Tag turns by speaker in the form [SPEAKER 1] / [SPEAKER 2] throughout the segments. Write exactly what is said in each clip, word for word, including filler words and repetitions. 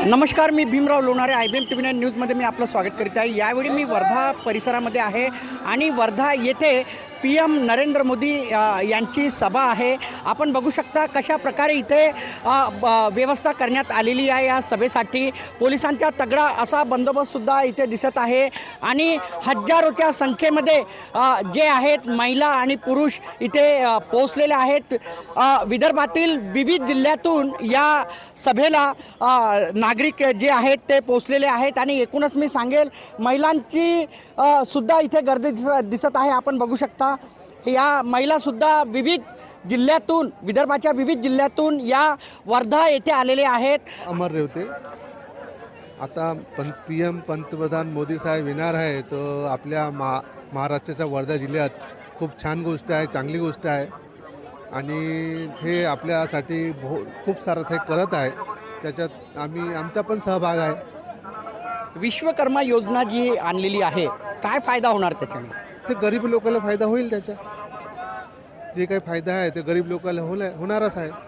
[SPEAKER 1] नमस्कार, मी Bhimrao Lonare. I B M T V nine न्यूजमध्ये मी आपलं स्वागत करीत आहे. यावेळी मी वर्धा परिसरामध्ये आहे आणि वर्धा येथे पी एम नरेंद्र मोदी यांची सभा आहे. आपण बघू शकता कशा प्रकारे इथे व्यवस्था करण्यात आलेली आहे. या सभेसाठी पोलिसांचा तगडा असा बंदोबस्तसुद्धा इथे दिसत आहे आणि हजारोच्या संख्येमध्ये जे आहेत महिला आणि पुरुष इथे पोहोचलेले आहेत. विदर्भातील विविध जिल्ह्यातून या सभेला नागरिक जे आहेत ते पोहोचलेले आहेत आणि एकूणच मी सांगेल महिलांची सुद्धा इथे गर्दी दिसत आहे. आपण बघू शकता या महिलासुद्धा विविध जिल्ह्यातून, विदर्भाच्या विविध जिल्ह्यातून या वर्धा येथे आलेले आहेत.
[SPEAKER 2] अमर रेवते. आता पं पी एम पंतप्रधान मोदी साहेब येणार आहे, तर आपल्या महा महाराष्ट्राच्या वर्धा जिल्ह्यात खूप छान गोष्ट आहे, चांगली गोष्ट आहे आणि हे आपल्यासाठी बहु खूप सारं ते करत आहे. त्याच्यात आम्ही आमचा पण सहभाग आहे.
[SPEAKER 1] विश्वकर्मा योजना जी आणलेली आहे, काय फायदा होणार त्याच्याने?
[SPEAKER 2] ते गरीब लोकांना फायदा होईल. त्याचा जे काही फायदा आहे ते गरीब लोकांना होणार होणारच आहे.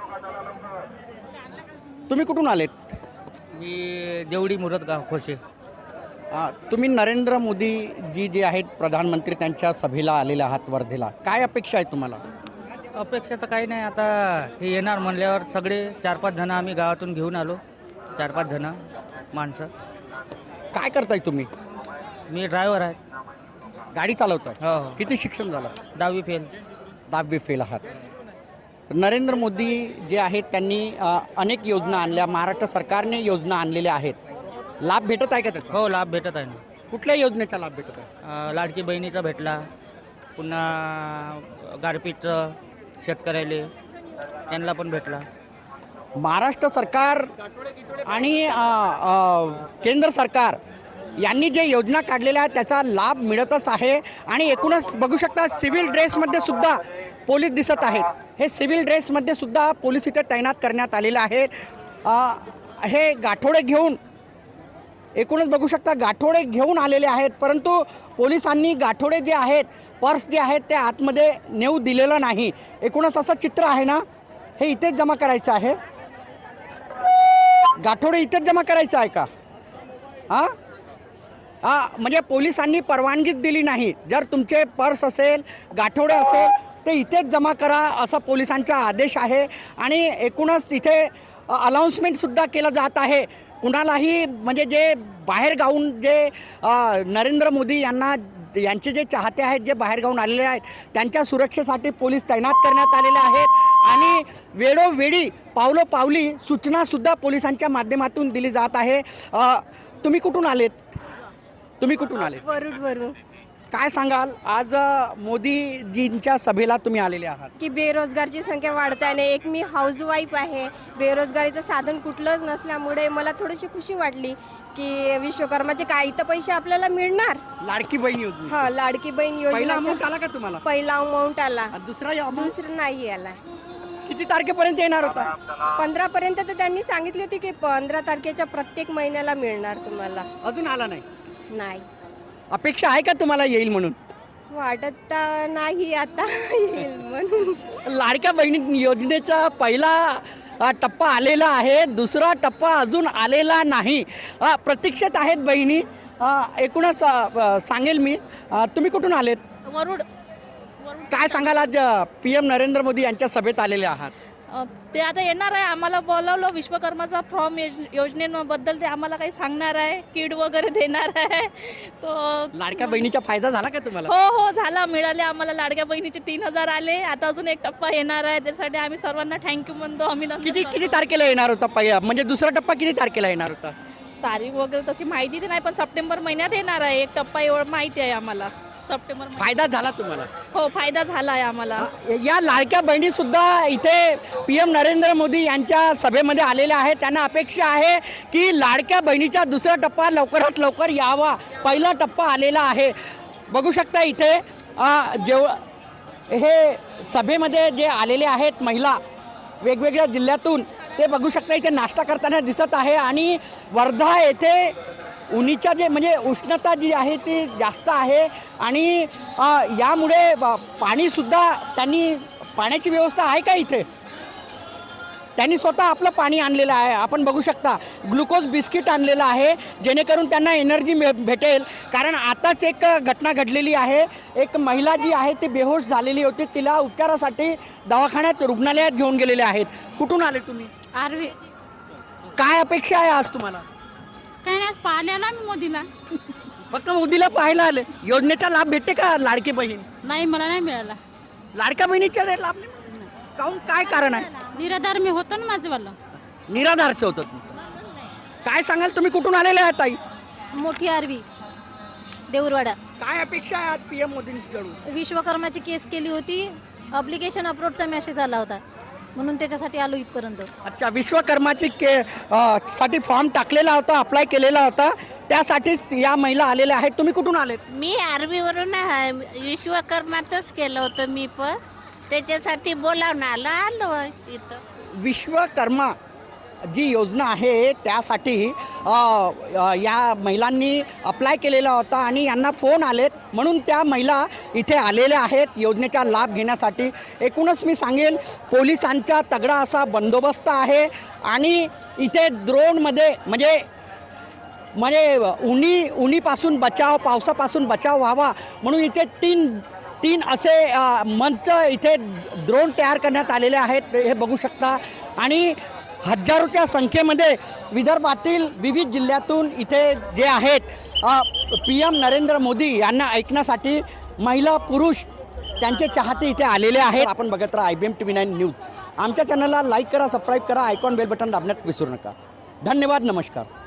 [SPEAKER 1] तुम्ही कुठून आलेत?
[SPEAKER 3] मी देवडी मुरदगाव खोसे.
[SPEAKER 1] तुम्ही नरेंद्र मोदी जी जे आहेत प्रधानमंत्री त्यांच्या सभेला आलेले आहात वर्धेला, काय अपेक्षा आहे तुम्हाला?
[SPEAKER 3] अपेक्षा तर काही नाही. आता ते येणार म्हणल्यावर सगळे चार पाच जणं आम्ही गावातून घेऊन आलो. चार पाच जणं माणसं.
[SPEAKER 1] काय करताय तुम्ही?
[SPEAKER 3] मी ड्रायव्हर आहे.
[SPEAKER 1] गाडी चालवताय?
[SPEAKER 3] हो हो.
[SPEAKER 1] किती शिक्षण झालं?
[SPEAKER 3] दहावी फेल.
[SPEAKER 1] दहावी फेल आहात. नरेंद्र मोदी जे आहेत त्यांनी अनेक योजना आणल्या, महाराष्ट्र सरकारने योजना आणलेल्या आहेत. लाभ भेटत आहे का त्याचा?
[SPEAKER 3] हो, लाभ भेटत आहे ना.
[SPEAKER 1] कुठल्या योजनेचा लाभ भेटत आहे?
[SPEAKER 3] लाडकी बहिणीचा भेटला, पुन्हा गारपीटचं शेतकऱ्याले त्यांना पण भेटला.
[SPEAKER 1] महाराष्ट्र सरकार आणि केंद्र सरकार यांनी जे योजना काढलेल्या आहेत त्याचा लाभ मिळतच आहे. आणि एकूणच बघू शकता सिव्हिल ड्रेसमध्ये सुद्धा पोलीस दिसत आहेत. हे सिव्हिल ड्रेसमध्ये सुद्धा पोलीस इथे तैनात करण्यात आलेले आहेत. हे गाठोडे घेऊन, एकूणच बघू शकता गाठोडे घेऊन आलेले आहेत, परंतु पोलिसांनी गाठोडे जे आहेत, पर्स जे आहेत ते आतमध्ये नेऊ दिलेलं नाही. एकूणच असं चित्र आहे ना, हे इथेच जमा करायचं आहे. गाठोडे इथेच जमा करायचं आहे का? हां हां म्हणजे पोलिसांनी परवानगीच दिली नाही. जर तुमचे पर्स असेल, गाठोडे असेल ते इथेच जमा करा असा पोलिसांचा आदेश आहे. आणि एकूणच इथे अनाऊन्समेंटसुद्धा केलं जात आहे. कुणालाही म्हणजे जे बाहेर गावून जे नरेंद्र मोदी यांना यांचे जे चाहते आहेत, जे बाहेर गावून आलेले आहेत, त्यांच्या सुरक्षेसाठी पोलीस तैनात करण्यात आलेले आहेत आणि वेळोवेळी पावलोपावली सूचनासुद्धा पोलिसांच्या माध्यमातून दिली जात आहे. तुम्ही कुठून आलेत? तुम्ही कुठून आले?
[SPEAKER 4] वरुड वरून.
[SPEAKER 1] काय सांगाल, आज मोदीजींच्या सभेला तुम्ही आलेले आहात?
[SPEAKER 4] की बेरोजगारची संख्या वाढताना, एक मी हाऊसवाईफ आहे, बेरोजगारीचं साधन कुठलंच नसल्यामुळे मला थोडीशी खुशी वाटली की विश्वकर्माचे काही तर पैसे आपल्याला मिळणार.
[SPEAKER 1] लाडकी बहीण योजना?
[SPEAKER 4] हा, लाडकी बहीण
[SPEAKER 1] पहिला अमाऊंट
[SPEAKER 4] योजना
[SPEAKER 1] आला का तुम्हाला?
[SPEAKER 4] पहिला अमाऊंट आला.
[SPEAKER 1] दुसरा amount?
[SPEAKER 4] दुसरं नाही आला.
[SPEAKER 1] किती तारखेपर्यंत येणार होता?
[SPEAKER 4] पंधरा पर्यंत तर त्यांनी सांगितली होती की पंधरा तारखेच्या प्रत्येक महिन्याला मिळणार तुम्हाला.
[SPEAKER 1] अजून आला नाही?
[SPEAKER 4] नाही.
[SPEAKER 1] अपेक्षा आहे का तुम्हाला येईल म्हणून?
[SPEAKER 4] वाटत तर नाही आता येईल म्हणून.
[SPEAKER 1] लाडक्या बहिणी योजनेचा पहिला टप्पा आलेला आहे, दुसरा टप्पा अजून आलेला नाही. प्रतीक्षेत आहेत बहिणी. एकूणच सांगेल मी, तुम्ही कुठून आलेत?
[SPEAKER 5] वरुड.
[SPEAKER 1] काय सांगाल, आज पी एम नरेंद्र मोदी यांच्या सभेत आलेले आहात?
[SPEAKER 5] ते आता येणार आहे. आम्हाला बोलावलं विश्वकर्माचा फॉर्म योजनेबद्दल ते आम्हाला काही सांगणार आहे, किट वगैरे देणार आहे. तो
[SPEAKER 1] लाडक्या बहिणीचा फायदा झाला का तुम्हाला?
[SPEAKER 5] हो हो झाला, मिळाले आम्हाला. लाडक्या बहिणीचे तीन हजार आले. आता अजून एक टप्पा येणार आहे, त्यासाठी आम्ही सर्वांना थँक्यू म्हणतो. आम्ही
[SPEAKER 1] किती किती तारखेला येणार होता पहिला, म्हणजे दुसरा टप्पा किती तारखेला येणार होता?
[SPEAKER 5] तारीख वगैरे तशी माहिती नाही, पण सप्टेंबर महिन्यात येणार आहे एक टप्पा, एवढं माहिती आहे आम्हाला. सप्टेंबर.
[SPEAKER 1] फायदा झाला तुम्हाला?
[SPEAKER 5] हो, फायदा झाला आहे आम्हाला.
[SPEAKER 1] या लाडक्या बहिणी सुद्धा इथे पी एम नरेंद्र मोदी यांच्या सभेमध्ये आलेल्या आहेत. त्यांना अपेक्षा आहे की लाडक्या बहिणीचा दुसरा टप्पा लवकरात लवकर यावा. पहिला टप्पा आलेला आहे. बघू शकता इथे जेव हे सभेमध्ये जे आलेले आहेत महिला वेगवेगळ्या जिल्ह्यातून, ते बघू शकता इथे नाश्ता करताना दिसत आहे. आणि वर्धा येथे उन्हीच्या जे म्हणजे उष्णता जी आहे ती जास्त आहे आणि यामुळे पाणीसुद्धा त्यांनी, पाण्याची व्यवस्था आहे का इथे? त्यांनी स्वतः आपलं पाणी आणलेलं आहे. आपण बघू शकता ग्लुकोज बिस्किट आणलेलं आहे जेणेकरून त्यांना एनर्जी मे भेटेल. कारण आताच एक घटना घडलेली आहे. एक महिला जी आहे ती बेहोश झालेली होती. तिला उपचारासाठी दवाखान्यात रुग्णालयात घेऊन गेलेले आहेत. कुठून आले तुम्ही?
[SPEAKER 6] आरवी
[SPEAKER 1] काय अपेक्षा आहे आज तुम्हाला?
[SPEAKER 6] काही नाही, पाहिल्या ना मी मोदीला.
[SPEAKER 1] फक्त मोदीला पाहायला आले. योजनेचा लाभ भेटते का? लाडकी बहीण
[SPEAKER 6] नाही, मला नाही मिळाला.
[SPEAKER 1] लाडक्या बहिणीचा लाभ नाही? काहून, काय कारण आहे?
[SPEAKER 6] निराधार मी होतो ना माझंवालं.
[SPEAKER 1] निराधारचं होतं तुमचं. काय सांगाल तुम्ही? कुठून आलेले आहात ताई?
[SPEAKER 7] मोठी आरवी देऊरवाडा.
[SPEAKER 1] काय अपेक्षा आहे आज पी एम मोदींकडून?
[SPEAKER 7] विश्वकर्माची केस केली होती, अप्लिकेशन अपलोडचा मेसेज आला होता म्हणून त्याच्यासाठी आलो इथपर्यंत.
[SPEAKER 1] अच्छा, विश्वकर्माची के अ, साठी फॉर्म टाकलेला होता, अप्लाय केलेला होता, त्यासाठीच या महिला आलेल्या आहेत. तुम्ही कुठून आलेत?
[SPEAKER 8] मी आर्मीवरून आहे. विश्वकर्माचंच केलं होतं मी पण, त्याच्यासाठी बोलावून आलो आलो इथं.
[SPEAKER 1] विश्वकर्मा जी योजना आहे त्यासाठी अ, अ, या महिलांनी अप्लाय केलेला होता आणि यांना फोन आलेत म्हणून त्या महिला इथे आलेल्या आहेत योजनेचा लाभ घेण्यासाठी. एकूणच मी सांगेल पोलिसांचा तगडा असा बंदोबस्त आहे आणि इथे ड्रोनमध्ये म्हणजे म्हणजे उन्ही उन्हीपासून बचाव, पावसापासून बचाव व्हावा म्हणून इथे तीन तीन असे अ, मंच इथे ड्रोन तयार करण्यात आलेले आहेत. हे बघू शकता आणि हजारोच्या संख्येमध्ये विदर्भातील विविध जिल्ह्यातून इथे जे आहेत पी एम नरेंद्र मोदी यांना ऐकण्यासाठी महिला पुरुष त्यांचे चाहते इथे आलेले आहेत. आपण बघत राहा I B M T V nine news. आमच्या चॅनलला लाईक करा, सबस्क्राईब करा, आयकॉन बेल बटन दाबण्यात विसरू नका. धन्यवाद, नमस्कार.